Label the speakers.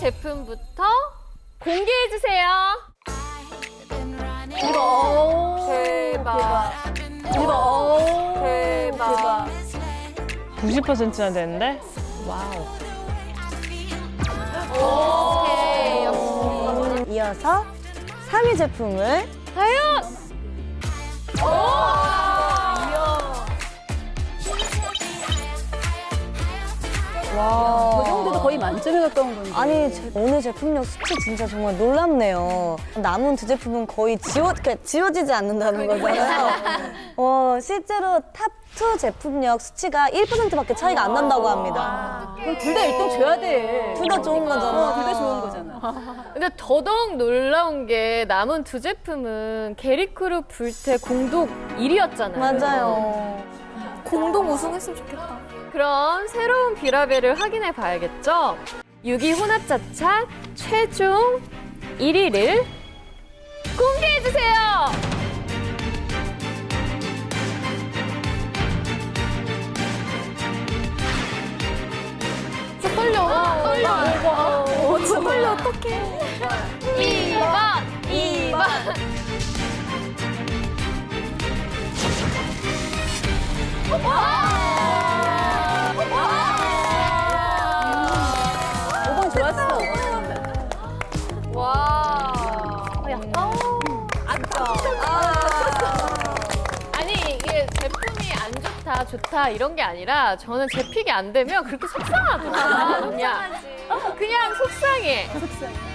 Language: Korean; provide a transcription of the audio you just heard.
Speaker 1: 제품부터 공개해주세요.
Speaker 2: 이거
Speaker 1: 대박.
Speaker 2: 이거
Speaker 1: 대박.
Speaker 3: 90%나 되는데? 와우.
Speaker 1: 오케이, 역시.
Speaker 2: 이어서 3위 제품을
Speaker 1: 과연?
Speaker 2: 와.
Speaker 4: 그 정도도 거의 만점에 가까운 건데.
Speaker 2: 아니 오늘 제품력 수치 진짜 정말 놀랍네요. 남은 두 제품은 거의 지워지지 않는다는 거잖아요. 실제로 탑2 제품력 수치가 1%밖에 차이가 안 난다고 합니다.
Speaker 4: 그럼 둘 다 1등 줘야 돼.
Speaker 2: 둘 다 좋은 거잖아.
Speaker 4: 둘 다 좋은 거잖아.
Speaker 1: 근데 더더욱 놀라운 게 남은 두 제품은 게리크루 불태 공동 1위였잖아요.
Speaker 2: 맞아요.
Speaker 5: 공동 우승했으면 좋겠다.
Speaker 1: 그럼 새로운 비라벨을 확인해 봐야겠죠? 6위 혼합자차 최종 1위를 공개해주세요!
Speaker 5: 떨려, 어떡해.
Speaker 1: 2번!
Speaker 4: 5번 좋았어.
Speaker 1: 와. 약간. 아니, 이게 제품이 안 좋다, 좋다, 이런 게 아니라 저는 제 픽이 안 되면 그렇게 속상하더라고요. 그냥 속상해.